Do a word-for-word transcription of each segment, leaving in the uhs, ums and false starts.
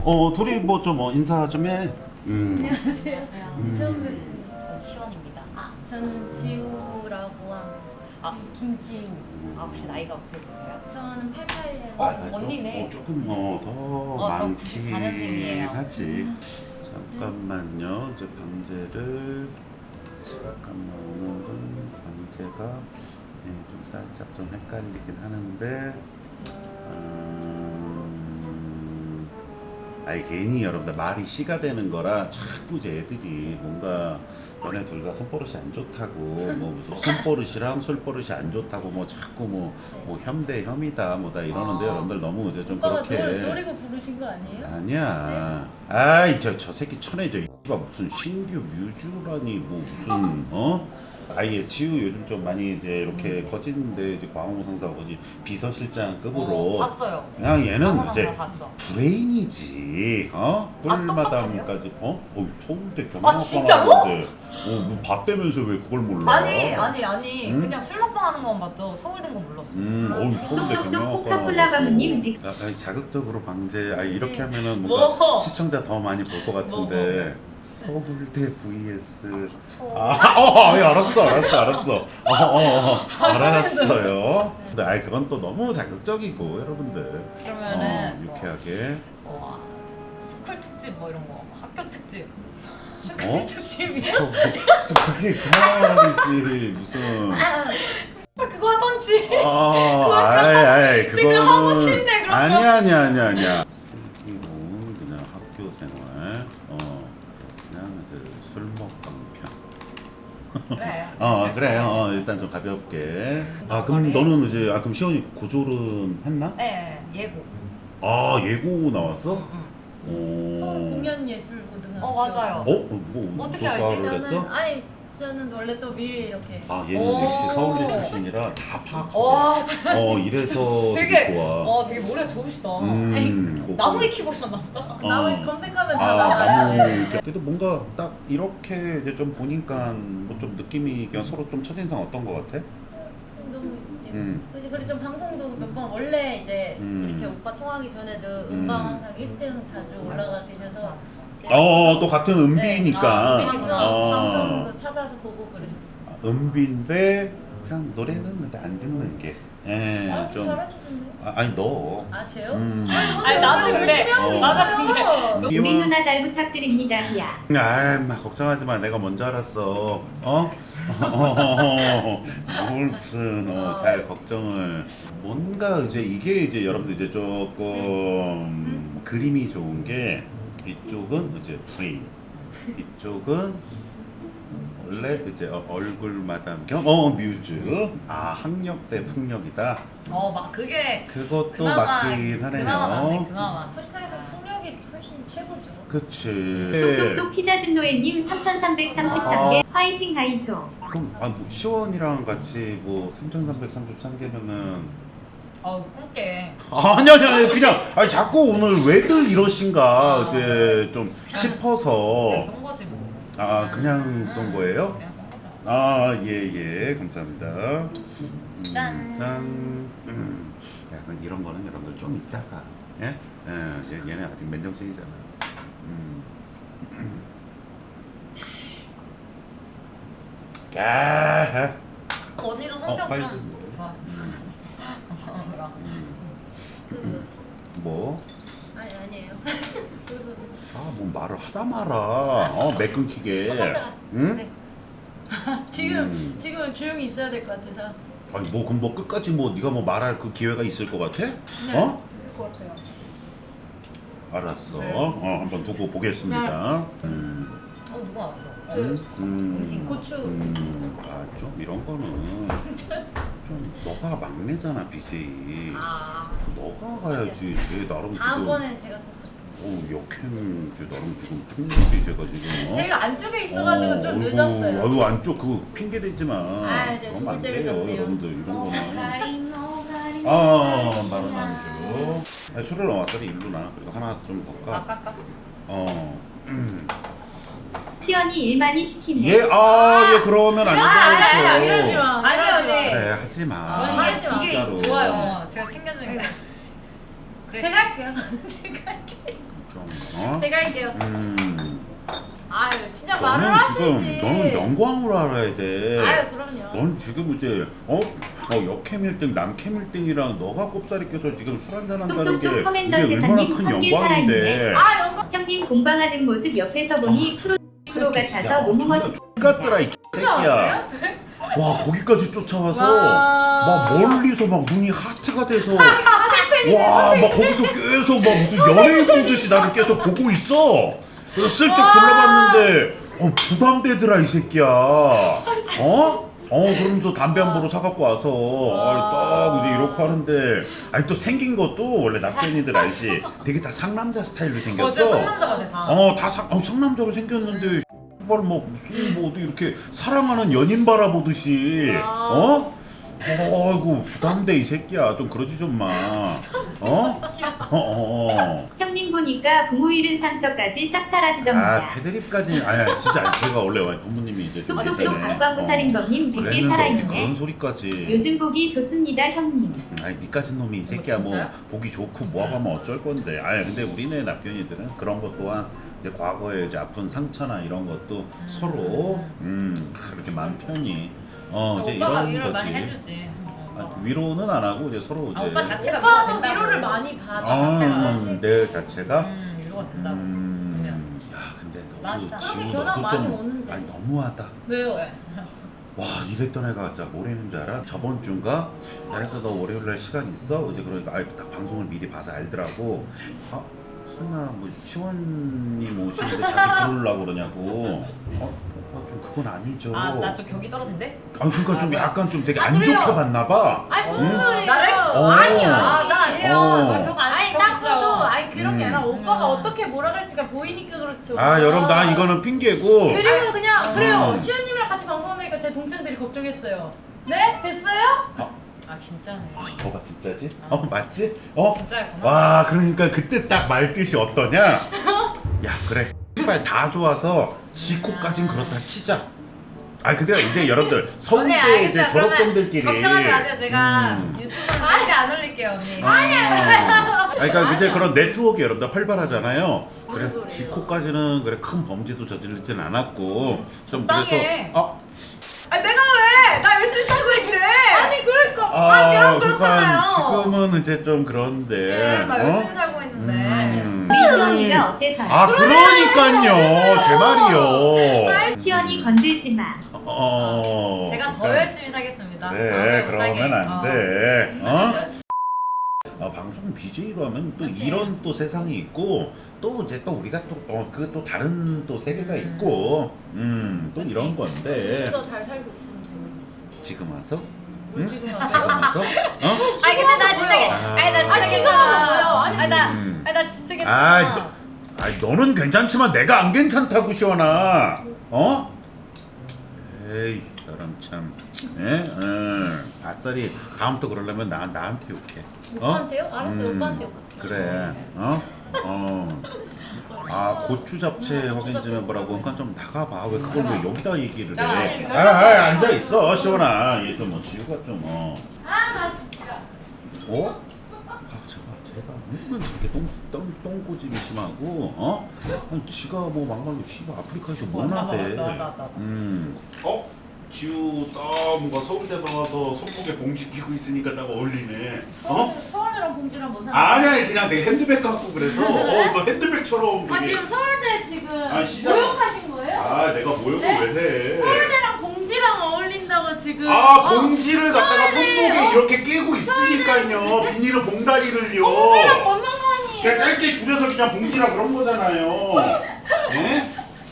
어 둘이 뭐 좀 어, 인사 좀 해. 음. 안녕하세요. 음. 처음 뵙습니다. 전 시원입니다. 아, 저는 지우라고 합니다. 아. 김지우. 아, 혹시 나이가 어떻게 되세요? 저는 팔십팔 년. 어, 아, 나 좀- 언니네. 어, 조금 뭐더 어, 저 많긴 구십사 년생이에요. 하지. 잠깐만요. 이제 방제를 잠깐만 오늘은 방제가 예, 좀 살짝 좀 헷갈리긴 하는데. 음, 아니 괜히 여러분들 말이 씨가 되는 거라 자꾸 이제 애들이 뭔가 너네 둘 다 손버릇이 안 좋다고 뭐 무슨 손버릇이랑 술버릇이 안 좋다고 뭐 자꾸 뭐, 뭐 혐대 혐이다 뭐다 이러는데 아. 여러분들 너무 이제 좀 오빠가 그렇게 노, 노리고 부르신 거 아니에요? 아니야. 아이 저 저 새끼 천해 저 이가 무슨 신규 뮤즈라니 뭐 무슨 어? 아예 지우 요즘 좀 많이 이제 이렇게 거짓인데 이제 광호 상사가 거짓 비서실장급으로 어, 봤어요. 그냥 얘는 광호 이제 상사 봤어. 브레인이지 어? 아, 꿀마담까지 어? 어 서울대 아, 경영학과 진짜로? 나왔는데 어뭐 봤다면서 왜 그걸 몰라? 아니, 아니, 아니. 응? 그냥 술 먹방 하는 건 봤죠. 서울된 건 몰랐어. 음, 어우 서울대 똑똑똑 경영학과 코카콜라 가문님 백- 아, 아니, 자극적으로 방제. 아 이렇게 네. 하면은 뭔가 뭐? 시청자 더 많이 볼 것 같은데. 서울대 vs 저 아, 어, 예, 알았어, 알았어, 알았어. 어, 어, 어, 알았어요. 근데 아이 그건 또 너무 자극적이고 여러분들. 그러면은 어, 뭐, 유쾌하게. 뭐, 스쿨 특집 뭐 이런 거, 학교 특집. 어? 특집이요? 어, 그게 그만이지 무슨. 그거 하던지. 아, 아이, 아이, 그거는 지금 하고 싶네, 그러면. 아니야, 아니야, 아니야, 아니야. 슬기로운 그냥 학교 생활. 어, 그냥 이제 술 먹방 편. 그래. 어, 그래. 어, 일단 좀 가볍게. 아, 그럼 그래. 너는 이제 아 그럼 시원이 고졸은 했나? 네, 예고. 아, 예고 나왔어? 응, 응. 오. 서울 공연예술고등학교. 어, 맞아요. 어? 어, 뭐 어떻게 알지? 조사를 저는 했어? 아니 저는 원래 또 미리 이렇게. 아, 얘는 오. 역시 서울대 출신이라 다 파악하고. 와, 어, 이래서 되게, 되게, 좋아. 어, 되게 머리가 좋으시다. 음. 뭐, 나무에 키보셨나 보다. 어. 나무 검색하면 다 아, 나와요. 나무 이렇게. 그래도 뭔가 딱 이렇게 이제 좀 보니까 뭐 좀 느낌이 그냥 서로 좀 첫인상 어떤 것 같아? 너무 예뻐. 음. 그치 그리고 좀 방송도 몇 번 원래 이제 음. 이렇게 오빠 통하기 전에도 음. 음방 항상 일 등 자주 올라가 계셔서 이제 어, 또 같은 아, 은비니까. 은비시구나. 방송, 어. 방송도 찾아서 보고 그랬었어요. 아, 은비인데 그냥 노래는 근데 안 듣는 게. 예, 아, 좀. 잘하시던데요? 아, 아니 너. 아 저요? 음. 아니, 나도 근데- 열심히 하고 어. 있어요. 나도 근데- 우리 누나 잘 부탁드립니다. 야. 아, 마 걱정하지 마. 내가 먼저 알았어. 어? 어, 뭘 무슨 어, 잘 걱정을. 뭔가 이제 이게 이제 여러분들 이제 조금 그림이 좋은 게 이쪽은 이제 브레인, 이쪽은 원래 이제 어, 얼굴 마담 겸 어 뮤즈. 아 학력 대 풍력이다. 어, 막 그게 그것도 그나마 맞긴 하네요. 그나마 맞네, 그나마. 솔직하게서 풍력이 훨씬 최고죠. 그치. 똑똑똑 피자진노예님 삼천삼백삼십삼 개 화이팅 하이소. 그럼 아, 뭐 시원이랑 같이 뭐 삼천삼백삼십삼 개면은 어, 꿈깨. 아니 아니 아니 그냥 아니 자꾸 오늘 왜들 이러신가 아. 이제 좀 싶어서 그냥 쏜 거지 뭐. 아 그냥 쏜 거예요? 그냥 쏜 거죠. 아 예 예 감사합니다. 음, 짠. 짠. 음. 약간 이런 거는 여러분들 좀 이따가 예? 예 얘- 얘네 아직 맨정신이잖아. 음. 야. 언니도 어, 성격 빨리 좀 좀. 좋아. 그 뭐지? 뭐? 아니 아니에요. 그래서 아, 뭐 말을 하다 마라. 어, 매 끊기게. 어, 깜짝아. 응? 네. 지금 음. 지금은 조용히 있어야 될 것 같아서. 아니 뭐 그럼 뭐 끝까지 뭐 네가 뭐 말할 그 기회가 있을 것 같아? 네. 어? 그것 같아요. 알았어. 네. 어, 한번 두고 보겠습니다. 음. 어, 누가 왔어? 음. 음. 음식 고추. 음. 아, 좀 이런 거는 좀 너가 막내잖아, 비제이. 아. 너가 가야지. 쟤 나름 지금 다음번엔 제가 어, 역행 쟤 나름 지금 풍력이 제가 지금 어? 제일 안쪽에 있어가지고 좀 어이구, 늦었어요. 아유 안쪽 그거 핑계 대지 마. 아, 이제 그러면 안 죽을 죄를 돼요, 졌네요. 여러분들 이런 거는. 노가리 노가리 아, 바로 남주. 아니, 술을 넣었더니 일로 나. 그리고 하나 좀 볼까? 아까까 어. 음. 시연이 일만이 시키네. 예, 아, 예, 그러면 안 아니 되죠. 아니 이러지 마. 아니, 이러지 마. 아니. 그래, 하지 마. 저는 하지 마. 이게, 진짜로. 이게 좋아요. 제가 챙겨주니까. 그래. 제가 할게요. 제가 할게요. 좀 어? 제가 할게요. 음. 아유 진짜 말을 너는 하시지. 지금 너는 영광으로 알아야 돼. 아유 그럼요. 넌 지금 이제 어? 어 역캠 일 등 남캠 일 등이랑 너가 꼽사리 껴서 지금 술 한잔 한다는 게 뚝뚝뚝 커맨더 이게 얼마나 세상님 큰 성길 영광인데. 살아있네. 아 영광. 형님 공방하는 모습 옆에서 보니 프로 프로 같아서 너무 멋있어. 같더라 이 새끼야. 와 거기까지 쫓아와서 막 멀리서 막 눈이 하트가 돼서 와 막 거기서 계속 막 무슨 연예인 보듯이 나를 계속 보고 있어. 그래서 슬쩍 둘러봤는데 어 부담되더라 이 새끼야. 어? 어 그러면서 담배 한 보로 사갖고 와서 어, 딱 이제 이렇게 하는데 아니 또 생긴 것도 원래 낙견이들 알지? 되게 다 상남자 스타일로 어제 생겼어. 상남자가 돼서. 어다 상, 어, 상남자로 생겼는데 정말 뭐 무슨 뭐 어디 이렇게 사랑하는 연인 바라보듯이 어? 어이구 부담돼 이 새끼야 좀 그러지 좀 마. 어? 어? 어. 형님 보니까 부모 잃은 상처까지 싹 사라지던가. 아 패드립까지 아니야 진짜 제가 원래 부모님이 이제 좀 뚝뚝뚝 있잖아요. 수광구살인범님 백 개 그랬는데 어디 살아있네. 그런 소리까지. 요즘 보기 좋습니다 형님. 아니 니까진 놈이 이 새끼야 뭐 진짜요? 보기 좋고 뭐하면 어쩔 건데. 아니 근데 우리네 남편이들은 그런 것 또한 이제 과거에 이제 아픈 상처나 이런 것도 서로 음 그렇게 마음 편히 어 이제 오빠가 이런 위로를 거지. 많이 해주지. 아, 위로는 안 하고 이제 서로 이제 아, 오빠 자체가 오빠도 위로가 된다고. 위로를 많이 받아. 아, 자체가. 음, 내 자체가 음 위로가 된다고. 음, 야 근데 너도 맛있다. 지우 사람이 변화 너도 많이 좀 오는데. 아니 너무하다. 왜요? 왜? 와 이랬던 애가 진짜 뭘 했는지 알아? 저번 주인가? 그래서 너 월요일날 시간 있어? 이제 그러니까 아예 딱 방송을 미리 봐서 알더라고. 아, 설마 뭐 시원님 오시는데 자기 부르려고 그러냐고. 어? 오빠 좀 그건 아니죠. 아 나 좀 격이 떨어진대? 아 그러니까 좀 아, 뭐야? 약간 좀 되게 아, 안 그래요? 좋게 봤나 봐. 아니 무슨 응? 소리예요? 나를? 어. 아니야. 아 나 아니에요. 어. 나 격 안 아니 격 딱 있어요. 봐도 아니 그런 게 음. 아니라 오빠가 음. 어떻게 몰아갈지가 보이니까 그렇죠. 아 여러분 나 이거는 핑계고. 그리고 그냥 아. 그래요. 음. 시연님이랑 같이 방송하니까 제 동창들이 걱정했어요. 네? 됐어요? 아 진짜네. 아 이거 봐 진짜지? 어 맞지? 어? 진짜였구나. 와 그러니까 그때 딱 말뜻이 어떠냐? 야 그래 빨리 다 좋아서 지코까진 그렇다 치자. 아 근데 이제 여러분들 언니 서울대 알겠어요. 이제 졸업생들끼리 그러면 걱정하지 마세요. 제가 음. 유튜브는 절대 안 올릴게요 언니. 아니야. 그러니까 근데 아니야. 그런 네트워크 여러분들 활발하잖아요. 그래 무슨 소리예요? 지코까지는 그래 큰 범죄도 저지르진 않았고 좀 적당히 그래서 해. 아, 아 내가 왜? 나 열심히 살고 있는데. 아니 그러니까. 아, 그럼 그러니까 그렇잖아요. 지금은 이제 좀 그런데. 네, 나 어? 열심히 살고 있는데. 음. 시원이가 어때서요? 아 그러니까요 제 말이요. 시원이 건들지 마. 어. 제가 더 그러니까 열심히 살겠습니다. 그래 아, 그러면 못하게. 안 어. 돼. 어? 그렇지. 아, 방송 비제이로 하면 또 그치. 이런 또 세상이 있고 또 이제 또 우리가 또그 또 다른 또 세계가 있고 음 또 그치. 이런 건데 더잘 살고 있으면 되는 지금 와서 뭘 응? 지금 지금 와서? 와서 어? 아니 근데 나 진짜 괜- 아. 아니 나 진짜 아, 진짜 괜찮아. 뭐예요? 아니, 아니 나 음. 아니 나 진짜 아, 괜찮아. 너, 아니 너는 괜찮지만 내가 안 괜찮다고 시원아. 어? 에이 사람 참. 예? 응. 아싸리 다음부터 그러려면 나 나한테 욕해. 어? 오빠한테요? 알았어요. 음. 오빠한테 욕할게요. 그래. 어? 어. 아 고추 잡채 음, 확인 고추 좀 해보라고. 그러니까 좀 나가봐. 왜 그걸 왜 여기다 얘기를 자, 해? 아니, 아, 아 앉아 있어 시원아. 얘 좀 뭐 지우가 좀 어. 아 나 진짜. 어? 아, 제가 제가 은근 저렇게 똥, 똥, 똥꼬집이 심하고 어? 아니 지가 뭐 막말로 씨발 아프리카에서 뭐 나대. 나, 나, 나, 나, 나. 음. 어? 지우 딱 뭔가 서울대 나와서 손목에 봉지 끼고 있으니까 딱 어울리네. 어? 서울대랑 봉지랑 뭔 상관? 아니야 그냥 내 핸드백 갖고 그래서 어너 핸드백처럼 아 되게- 지금 서울대 지금 아, 시작. 모욕하신 거예요? 아 내가 모욕을 네? 왜 해? 서울대랑 봉지랑 어울린다고 지금. 아 어, 봉지를 갖다가 서울대, 손목에 어? 이렇게 끼고 있으니까요. 비닐로 봉다리를요. 봉지랑 뭔 상관이에요? 그냥 짧게 줄여서 그냥 봉지라 그런 거잖아요. 예?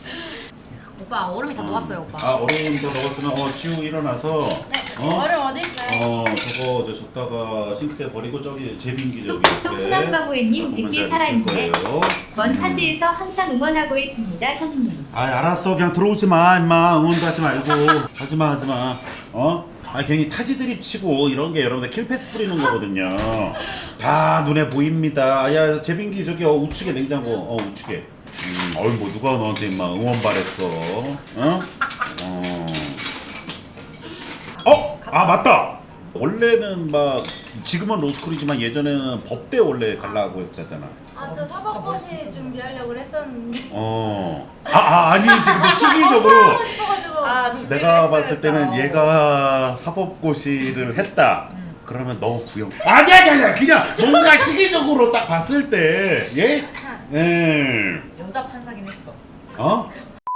오빠 얼음이 다 녹았어요 오빠. 아 얼음 더 넣었으면 어 지우 일어나서 어? 얼음 어디 있어요? 어 저거 저 줬다가 싱크대 버리고 저기 제빙기 저기 뚝뚝뚝 옆에 수남가구애님 백 개 있을 살아있네. 거예요. 먼 타지에서 항상 응원하고 있습니다 형님. 아 알았어 그냥 들어오지 마 임마. 응원도 하지 말고 하지마 하지마 어? 아 괜히 타지 드립 치고 이런 게 여러분들 킬패스 뿌리는 거거든요. 다 눈에 보입니다. 야 제빙기 저기 어, 우측에 냉장고 어 우측에. 음, 어이 뭐 누가 너한테 임마 응원 바랬어? 어? 어? 어? 아 맞다. 원래는 막 지금은 로스쿨이지만 예전에는 법대 원래 가려고 했잖아. 아, 저 어, 진짜 사법고시 멋있어. 준비하려고 했었는데. 어. 아, 아 아니지. 근데 시기적으로 하고 싶어가지고. 아, 내가 봤을 때는 얘가 사법고시를 했다. 그러면 너 구형. 아니 아니 아니 그냥 뭔가 시기적으로 딱 봤을 때 예? 예. 여자 판사긴 했어. 어?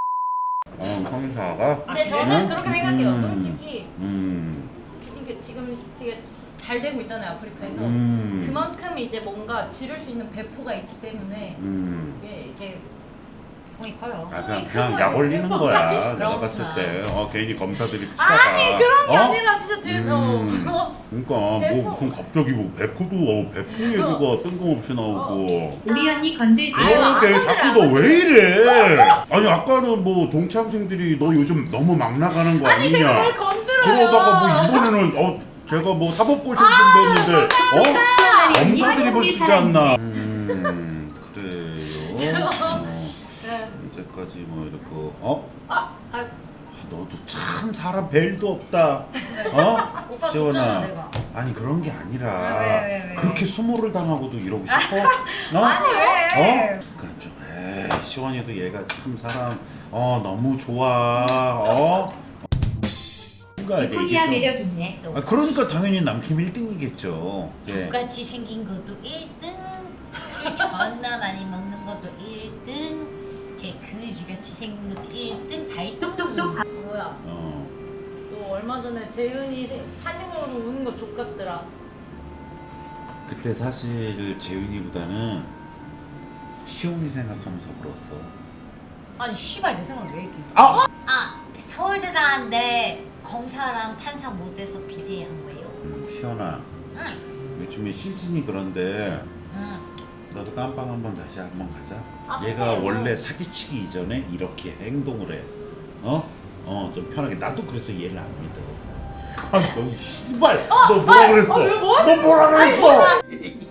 어, 형사가? 근데 저는 음? 그렇게 생각해요. 음. 솔직히 음. 이게 지금 되게 잘 되고 있잖아요, 아프리카에서. 음. 그만큼 이제 뭔가 지를 수 있는 배포가 있기 때문에 음. 이게 이제 돈이 커요. 아 그냥 큰 그냥 거예요. 약 올리는 거야. 내가 그렇구나. 봤을 때. 어 괜히 검사들이 피다가. 아니 그런 게 어? 아니라 진짜 대 음. 어. 그러니까 뭐 배포. 무슨 갑자기 뭐 배포도 어, 배포 얘기가 뜬금없이 나오고. 우리 언니 건들지. 아유, 안 그러게 건드려, 자꾸 안 너 왜 이래? 아니 아까는 뭐 동창생들이 너 요즘 너무 막 나가는 거 아니 제가 뭘 아니냐? 건드려요. 그러다가 뭐 이번에는 어 제가 뭐 사법고시 준비했는데 어? 시원하리 언니 검사들이 뭘 한국에 주지 사랑해. 않나? 음 그래요. 어, 네. 이제까지 뭐 이렇게 어? 아, 아, 너도 참 사람 벨도 없다. 어? 오빠 시원아. 줬잖아, 내가. 아니 그런 게 아니라 아, 왜, 왜, 왜? 그렇게 수모를 당하고도 이러고 싶어? 어? 아니 왜? 어? 그건 좀 에이 시원이도 얘가 참 사람 어 너무 좋아. 어? 뭔가 이제 지코리아 이게 좀 매력 있네. 아, 그러니까 당연히 남캠 일 등이겠죠. 네. 똑같이 생긴 것도 일 등, 술 존나 많이 먹는 것도 일 등, 걔 그지같이 생긴 것도 일 등, 다 일 등. 똑똑똑 밥. 뭐야? 어. 또 얼마 전에 재윤이 세- 사진으로 우는 거 족같더라. 그때 사실 재윤이보다는 시온이 생각하면서 울었어. 아니 씨발 내 생각 왜 이렇게? 아! 아 서울대 나왔는데 검사랑 판사 못해서 비대한 거예요. 음, 시온아 응, 요즘에 시즌이 그런데 응. 너도 깜빵 한번 다시 한번 가자. 아, 얘가 근데 원래 사기치기 이전에 이렇게 행동을 해. 어? 어, 좀 편하게. 나도 그래서 얘를 안 믿어. 아, 너 씨발. 너 뭐라 그랬어? 아, 왜 뭐 너 뭐라 그랬어?